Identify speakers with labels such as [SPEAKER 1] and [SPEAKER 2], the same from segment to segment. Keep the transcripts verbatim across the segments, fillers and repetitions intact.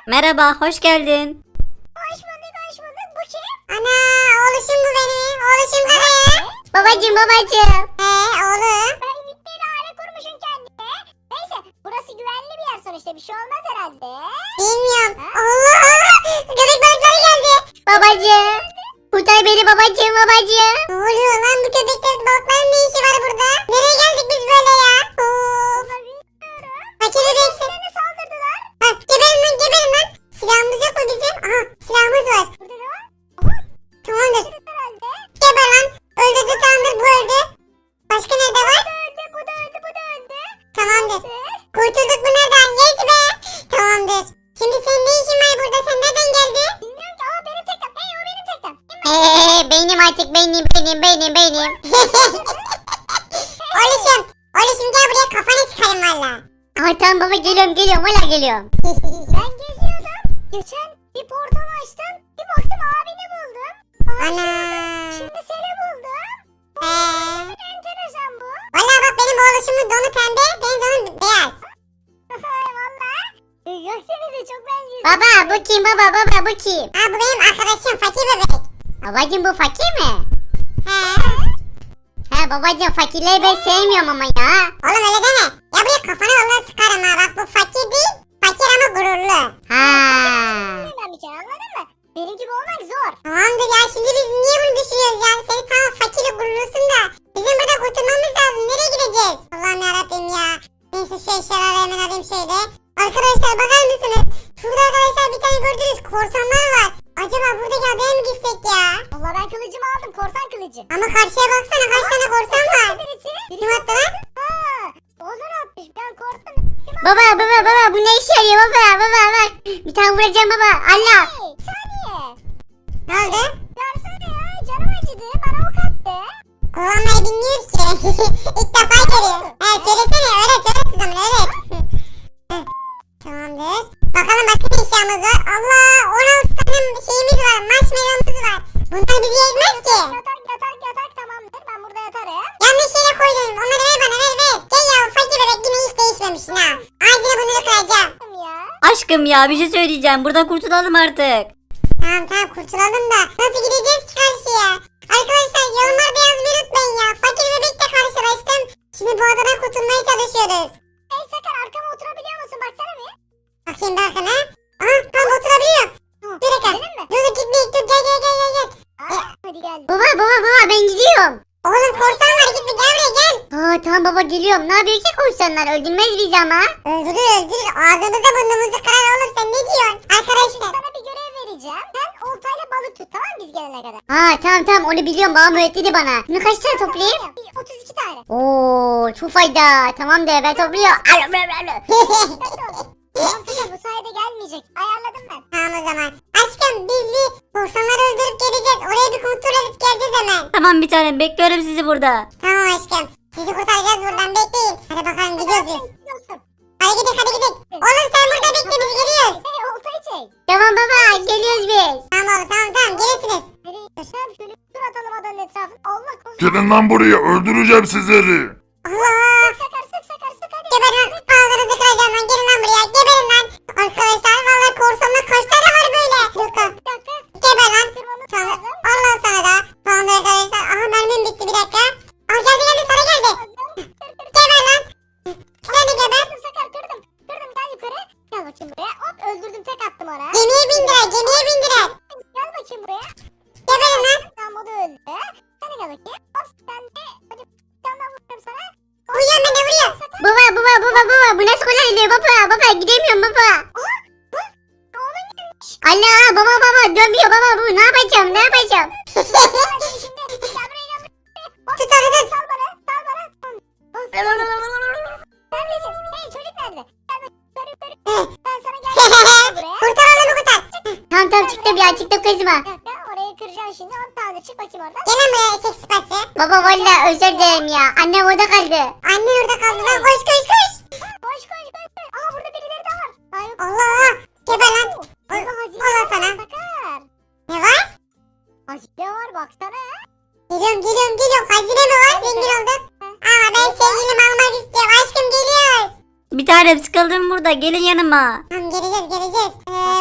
[SPEAKER 1] Merhaba, hoş geldin.
[SPEAKER 2] Hoş bulduk, hoş bulduk. Bu kim?
[SPEAKER 3] Ana oğluşum bu benim. Oğluşum kara.
[SPEAKER 1] Babacım babacım.
[SPEAKER 3] He oğlum.
[SPEAKER 2] Ben bir aile kurmuşum kendine. Neyse, burası güvenli bir yer sonuçta. Bir şey olmaz herhalde.
[SPEAKER 3] Bilmiyorum. Allah. Köpek balıkları geldi.
[SPEAKER 1] Babacım. Kurtar beni babacım babacım.
[SPEAKER 3] Ne oluyor lan bu köpekler balıkların ne işi var burada? Nereye geldik biz böyle ya? Of.
[SPEAKER 2] Ama bilmiyorum.
[SPEAKER 3] Fakir bebeksin.
[SPEAKER 2] Bana saldırdılar.
[SPEAKER 3] Ha, geberin lan geberin lan. Silahımız yok mu bizim? Aha silahımız var.
[SPEAKER 2] Burada ne var?
[SPEAKER 3] Tamamdır.
[SPEAKER 2] Burada herhalde.
[SPEAKER 3] Geber lan. Öldürdü tamamdır bu öldü. Başka nerede var?
[SPEAKER 2] Bu da öldü, bu da öldü, bu da öldü.
[SPEAKER 3] Tamamdır.
[SPEAKER 2] Dur.
[SPEAKER 3] Kurtulduk bunlardan. Geç be. Tamamdır. Şimdi senin ne işin var burada? Sen nereden geldin?
[SPEAKER 2] Bilmiyorum ki. Aa benim teknem. Hey o benim teknem.
[SPEAKER 1] Eee benim artık benim benim benim benim.
[SPEAKER 3] Oğluşum. Oğluşum gel buraya kafanı çıkarım valla.
[SPEAKER 1] Ay tamam baba geliyorum geliyorum hala geliyorum.
[SPEAKER 2] Ben geziyordum. Geçen bir portal açtım. Bir baktım abini buldum. Aa,
[SPEAKER 3] Ana.
[SPEAKER 2] Şimdi seni buldum.
[SPEAKER 3] Eee.
[SPEAKER 2] Enteresan bu.
[SPEAKER 3] Valla bak benim oğluşumun donu pembe, benim donum beyaz.
[SPEAKER 2] Valla. Göksenize çok benziyorsun.
[SPEAKER 1] Baba bu kim baba baba bu kim?
[SPEAKER 3] Ha bu benim arkadaşım fakir bebek.
[SPEAKER 1] Babacım bu fakir mi?
[SPEAKER 3] He.
[SPEAKER 1] He babacım fakirleri ben sevmiyorum ama ya.
[SPEAKER 3] Oğlum öyle deme. Ya buraya kafana vallahi sıkarım ha. Bak bu fakir değil. Fakir ama gururlu.
[SPEAKER 1] Ha.
[SPEAKER 2] Ben bir kere anladın mı? Benim gibi olmak zor.
[SPEAKER 3] Tamamdır ya şimdi biz niye bunu düşünüyoruz ya? Seni tamam fakir gururlusun da. Bizim burada kurtulmamız lazım. Nereye gideceğiz? Allah'ım yarabbim ya. Neyse şu eşyaları hemen alayım şöyle. Arkadaşlar bakar mısınız? Şurada arkadaşlar bir tane gördünüz korsanlar var. Acaba buradaki adaya mı gitsek ya?
[SPEAKER 2] Valla ben kılıcımı aldım. Korsan kılıcı.
[SPEAKER 3] Ama karşıya baksana kaç tane korsan var.
[SPEAKER 2] Birisi.
[SPEAKER 3] Kim attı lan?
[SPEAKER 2] Haa. Olur atmış. Ben korktum. Kim
[SPEAKER 1] Baba baba baba bu ne işe yarıyor baba baba bak. Bir tane vuracağım baba Allah.
[SPEAKER 2] Hey, saniye.
[SPEAKER 3] Ne oldu?
[SPEAKER 2] Versene ya. Canım acıdı. Bana ok attı.
[SPEAKER 3] Kullanmayı bilmiyoruz ki. İlk defa görüyor. He söylesene öğret öğret kızım öğret. Heh, tamamdır. Bakalım başka ne eşyamız var. Allah on altı tane şeyimiz var. Marshmallow'umuz var. Bunlar bizi yetmez ki.
[SPEAKER 2] Yatak yatak yatak tamamdır. Ben burada yatarım.
[SPEAKER 3] Yanlış yere koydum. Onları ver bana ver ver. Gel ya fakir bebek yine hiç değişmemişsin ha. Ağzına bunları kıracağım.
[SPEAKER 2] Tamam ya.
[SPEAKER 1] Aşkım ya bir şey söyleyeceğim. Buradan kurtulalım artık.
[SPEAKER 3] Tamam tamam kurtulalım da. Nasıl gideceğiz ki karşıya? Arkadaşlar yorumlarda yazmayı unutmayın ya. Fakir bebekle karşılaştım. Şimdi bu adadan kurtulmaya çalışıyoruz.
[SPEAKER 2] Hey Sakar arkama oturabiliyor musun? Baksana bir.
[SPEAKER 3] Bakayım bir arkana. Aha tam oturabiliyor. Bir dakika.
[SPEAKER 2] Benim mi?
[SPEAKER 3] Dur dur gitmeyin dur gel gel gel gel. gel.
[SPEAKER 2] Aa, hadi gel.
[SPEAKER 1] Baba baba baba ben gidiyorum.
[SPEAKER 3] Oğlum korsan var gitme gel buraya gel.
[SPEAKER 1] Aa tamam baba geliyorum. Ne yapıyor ki korsanlar? Öldürmez bizi ama.
[SPEAKER 3] Öldürür öldürür ağzımıza burnumuzu kırar oğlum sen ne diyorsun? Arkadaşlar.
[SPEAKER 2] Sana bir görev vereceğim. Sen oltayla balık tut tamam mı biz gelene kadar?
[SPEAKER 1] Ha tamam tamam onu biliyorum babam öğretti bana. Bunu kaç tane toplayayım?
[SPEAKER 2] Bir otuz iki tane.
[SPEAKER 1] Oo çok fayda. Tamam de ben topluyorum. Alo, alo, alo.
[SPEAKER 2] Tamam Sakar bu sayede gelmeyecek. Ayarladım ben.
[SPEAKER 3] Tamam o zaman. Aşkım biz bir korsanları öldürüp geleceğiz. Oraya bir kontrol edip geleceğiz hemen.
[SPEAKER 1] Tamam bir tanem bekliyorum sizi burada.
[SPEAKER 3] Tamam aşkım. Sizi kurtaracağız buradan bekleyin. Hadi bakalım gidiyoruz biz.
[SPEAKER 2] Gidiyorsun.
[SPEAKER 3] Hadi gidelim hadi gidelim. Oğlum sen burada bekle biz geliyoruz.
[SPEAKER 2] Hey oltayı çek.
[SPEAKER 1] Tamam baba geliyoruz biz.
[SPEAKER 3] Tamam oğlum tamam tamam gelirsiniz.
[SPEAKER 2] Nereye gidiyorsun? Şöyle bir tur atalım adanın etrafını. Allah korusun.
[SPEAKER 4] Gelin lan buraya öldüreceğim sizleri.
[SPEAKER 3] Allah.
[SPEAKER 2] Sık Sakar sık Sakar sık hadi.
[SPEAKER 3] Geberin lan. Ağzınızı kıracağım lan. Gelin lan buraya. Geberin lan. Arkadaşlar vallahi korsanlar kaç tane var böyle? Dakika.
[SPEAKER 2] Bir dakika.
[SPEAKER 3] Geber lan.
[SPEAKER 2] Kırmamız
[SPEAKER 3] Tamam.
[SPEAKER 2] lazım.
[SPEAKER 3] Allah sana da. Tamam arkadaşlar. Aha mermim bitti bir dakika. Aa geldi geldi sana geldi. Geber lan. Sen de geber.
[SPEAKER 2] Kırdım Sakar kırdım. Kırdım gel yukarı. Gel bakayım buraya. Hop öldürdüm tek attım ona.
[SPEAKER 3] Gemiye bindirer. Gemiye bindirer.
[SPEAKER 2] Gel bakayım buraya.
[SPEAKER 3] Geberin lan.
[SPEAKER 2] Tamam o da öldü. Sen de gel bakayım. Hop sen de. Hadi bir tane daha vuruyorum sana.
[SPEAKER 3] Vuruyorum ben de vuruyorum.
[SPEAKER 1] Baba baba baba baba bu nasıl kolay oluyor baba baba gidemiyorum baba.
[SPEAKER 2] Oğlum gelmiş.
[SPEAKER 1] Allah baba baba dönmüyor baba bu ne yapacağım ne yapacağım.
[SPEAKER 2] Gel şimdi. Gel buraya gel buraya. Hop,
[SPEAKER 3] Tut onu tut.
[SPEAKER 2] sal bana. Sal bana. Neredesin? Hey çocuk nerede? Gel bak. Yukarı yukarı. Ben sana geldim. Buraya.
[SPEAKER 3] Kurtar oğlumu kurtar.
[SPEAKER 1] Tamam tamam çıktım ya çıktım kızma.
[SPEAKER 2] Bir dakika orayı kıracağım şimdi. On tane çık bakayım oradan.
[SPEAKER 3] Gel lan buraya eşek sıpası.
[SPEAKER 1] Baba valla özür dilerim ya annem orada kaldı.
[SPEAKER 3] Annen orada kaldı lan. Koş koş koş.
[SPEAKER 2] Koş koş koş. koş. Aa burada birileri de var. Ay yok.
[SPEAKER 3] Allah. Geber lan.
[SPEAKER 2] Burada hazine
[SPEAKER 3] Allah
[SPEAKER 2] var.
[SPEAKER 3] sana.
[SPEAKER 2] Sakar.
[SPEAKER 3] Ne var?
[SPEAKER 2] Hazine var baksana.
[SPEAKER 3] Geliyorum geliyorum geliyorum. Hazine mi var? Zengin olduk. Aa ben sevgilimi almak istiyorum. Aşkım geliyoruz.
[SPEAKER 1] Bir tanem sıkıldım burada gelin yanıma.
[SPEAKER 3] Tamam geleceğiz geleceğiz. Ee,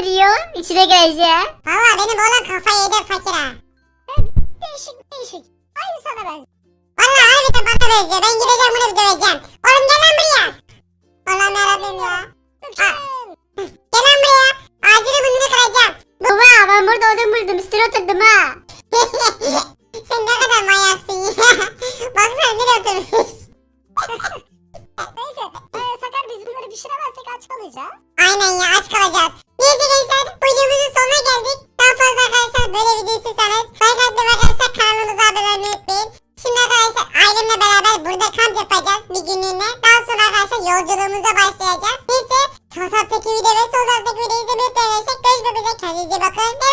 [SPEAKER 1] duruyor. İçine gireceğim.
[SPEAKER 3] Valla benim oğlan kafayı yedi fakir ha.
[SPEAKER 2] Değişik değişik. Aynı sana ben.
[SPEAKER 3] Valla harbiden bana benziyor. Ben gideceğim bunu bir döveceğim. Oğlum gel lan buraya. Allah'ım yarabbim ya.
[SPEAKER 2] Gökçen.
[SPEAKER 3] Gel lan buraya. Ağacını burnunu kıracağım.
[SPEAKER 1] Baba ben burada odun buldum. Üstüne oturdum ha.
[SPEAKER 3] Sen ne kadar manyaksın ya. Baksana nereye oturmuş.
[SPEAKER 2] Neyse. E, Sakar biz bunları pişiremezsek aç kalacağız.
[SPEAKER 3] Aynen ya aç kalacağız. Neyse gençler videomuzun sonuna geldik. Daha fazla arkadaşlar böyle video istiyorsanız like atmayı ve arkadaşlar kanalımıza abone olmayı unutmayın. Şimdi arkadaşlar ailemle beraber burada kamp yapacağız bir günlüğüne. Daha sonra arkadaşlar yolculuğumuza başlayacağız. Neyse sağ taraftaki video ve sol taraftaki videoyu izlemeyi unutmayın arkadaşlar. Görüşmek üzere kendinize iyi bakın.